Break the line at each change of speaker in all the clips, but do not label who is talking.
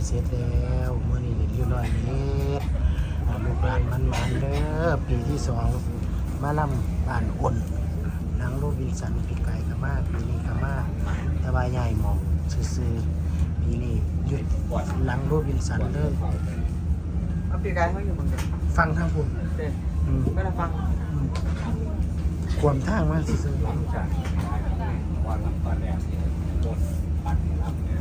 เสร็จแล้วมื้อนี้เรียบร้อยแล้วลูกหลานมันเด้อปีที่2มาล่ำบ้านอ่นนางโรบินสันปีไก่กะมาปีนี้กะมาแต่ว่าใหญ่หมองซื่อๆปีนี้หยุดหลังโรบินสันเลย
เอาปีกายเขาอยู่บนเด็ก
ฟังทางคุณ
เด็กไม่ได้ฟัง
ความทางมาซื่อ
หลังจากวันรับตอนแรกรถปัดรับเนี่ย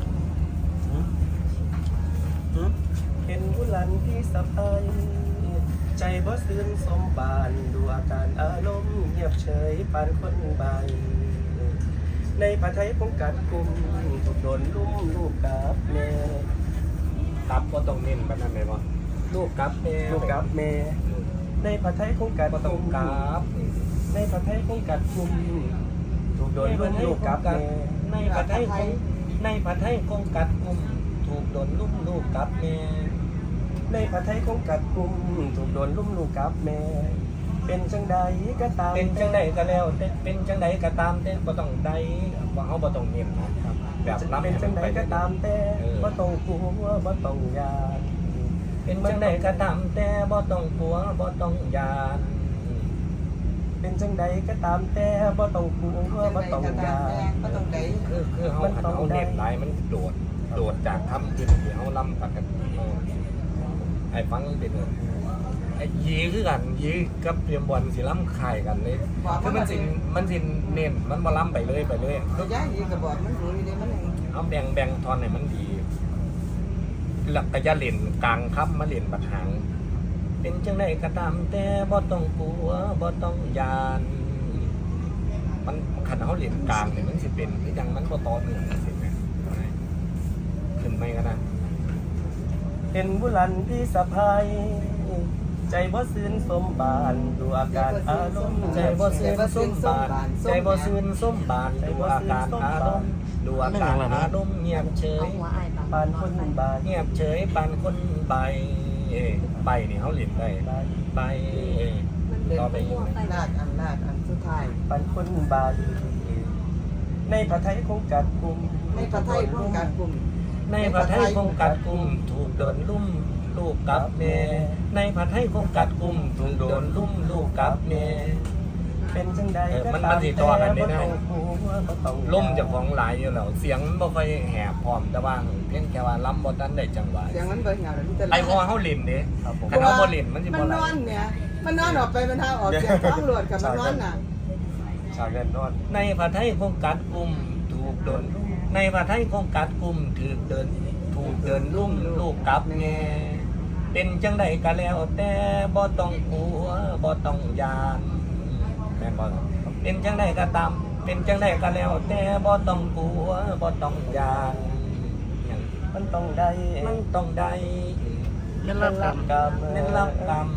เห็นบุรันที่สะพายใจบ่ซื่นสมบานดูอาการอารมณ์เงียบเฉยปานคนใบในผ้าไทยป้องกันกลุ่มถูกโดนลุ่มลูกกับแม่
ครับก็ต้องเน้นแบบนั้นเลยว่าลูกกับแม่
ลูกกับแม่ในผ้าไทยป้องกัน
ก็ต้องกราบ
ในผ้าไทยป้องกันกลุ่มถูกโดนลุ่มลูกกับแม่
ในผัดไทยคงกัดกุมถูกโดนลุ่มลูกกับแม่
ในผ้าไทยป้องกันกลุ่มถูกโดนลุ่มลูกกับแม่เป็นจังใดก็ตาม
เป็นจังใดก็แล้วแต่เป็นจังใดก็ตามแต่บ่ต้องใดว่าเขาบ่ต้องเน้นนะครับแบบรับ
เป็นจังใดก็ตามแต่บ่ต้องกลัวบ่ต้องยาน
เป็นจังใดก็ตามแต่บ่ต้องกลัวบ่ต้องยาน
เป็นจังใดก็ตามแต่บ่ต้องกลัวบ่ต้องยาน
คือเขาหันเขาเน้นหลายมันโดดจากคำที่เขาล้ำกันไอ้ฟังเด็ดเลยไอ้ยีคือกันยีกับเตรียมบอลสิล้ำไข่กันเลยคือมันสิเน้นมันมาล้ำไปเลย
ก็ย้ายอีกก็บอกมันรู้อยู่เด้มัน
เอาแบ่งทอนให้มันดีหลักกะยะเล่นกลางครับมาเล่นบัดหางเป็นจังไดก็ตามแต่บ่ต้องกลัวบ่ต้องยานมันขันเขาเล่นกลางเนี่ยมันสิเป็นที่ยังมันบ่ต่อเนื่องสิแม่ขึ้นไม่ก็นะ
เห็นบุรันพี่สะพายใจบ่ซื่นสมบานดูอาการอารมณ์
ใจบ่ซื่นส้มบานใจบ่ซื่นส้มบานดูอาการอารมณ์ดูอาการอารมณ์เงียบเฉย
ปานคนบาย
เงียบเฉยปานคนใบใบนี่เขาเล่นได้ใบต่อไปอีก
ลากอันสุดท้าย
ปานคนบายในผ้าไทยคงกัดกุม
ในประเทศป้องกันกลุ่ม
ในผัดไทยคงกัดกุมถูกโดนลุ่มลูกกับแม่ในผัดไทยคงกัดกุมถูกโดนลุ่มลูกกับแม่
เป็นจังใดก็
มัน
ตาม
สิต่อกันได้
บ่ต้องกลัวบ่ต้องยาน
ล่มจากของหลายอยู่แล้วเสียงบ่ค่อยแหบพร้อมแต่ว่าเพียงแค่ว่าล้ำบ่ทันได้จังหวะ
เสียงมันเบิ่งเหงาเลยมันจะ
ไอ้พอเฮาเล่นเด้คันเฮาบ่เล่นมันสิ
มัน
บ่ไหล
นอนเนี่ยมันนอนออกไปมันทางออกเสียงท้องหลวดกับมันนอนน่ะ
ฉากเล่นนอน
ในผัดไทยคงกัดกุมถูกโดนในผัดไทยคงกัดกุมถูกเดินลุ่มลูกกับแม่เป็นจังใดก็แล้วแต่บ่ต้องกลัวบ่ต้องยานแม่นบ่เป็นจังใดก็ตามเป็นจังใดก็แล้วแต่บ่ต้องกลัวบ่ต้องยาน
มันต้องได้
มันต้องได้
ๆเล่นรับกรรม
กรรม
เน้นรับกรรม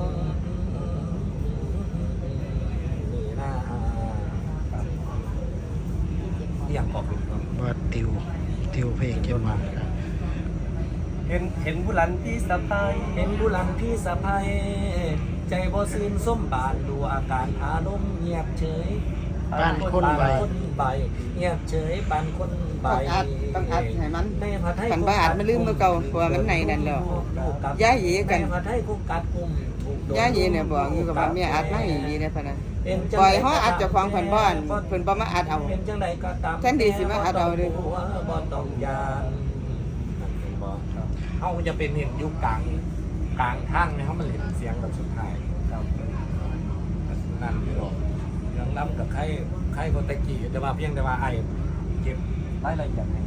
นี่นะอย่างบอกเป็นครับ
ว่าติวเพลงเกี่ยวมา
เห็นบุรันพี่สะพาย
เห็นผู้หลังพี่สะพายใจบ่ซื่นส้มบานดูอาการอารมณ์เงียบเฉย
บ้านคนใบ
คนใบเงียบเฉยปานคนใบ
ต้องอัดให้มัน
ในผัดไทย
คันบ่อัดมันลืมมือเก่าเพราะว่ามันในนั่นแล้วย้ายอีกกัน
ในผัดไทยคุกกัดกุมถูกโด
ย้ายอีเนี่ยบอกอยู่กับว่าแม่อัดมาอีนี่นะพะนะ
เป็นจัง
ปล่อย
ใด
เฮาอัดเจ้าของเพิ่นบ่อันเพิ่นบ่มาอัดเอา
เป็นจังใดก็ตาม
แทนที่สิมาอัดเอาเด้อ
บ่ต้องยานเฮาจะเป็นเห็นยุคกลางทางเนี่ยเฮามันเห็นเสียงแบบสุดท้ายครับนั่นอยู่หรอกยังนำกับใครคนตะกี้แต่ว่าเพียงแต่ว่าไอ้เก็บรายละเอียดให้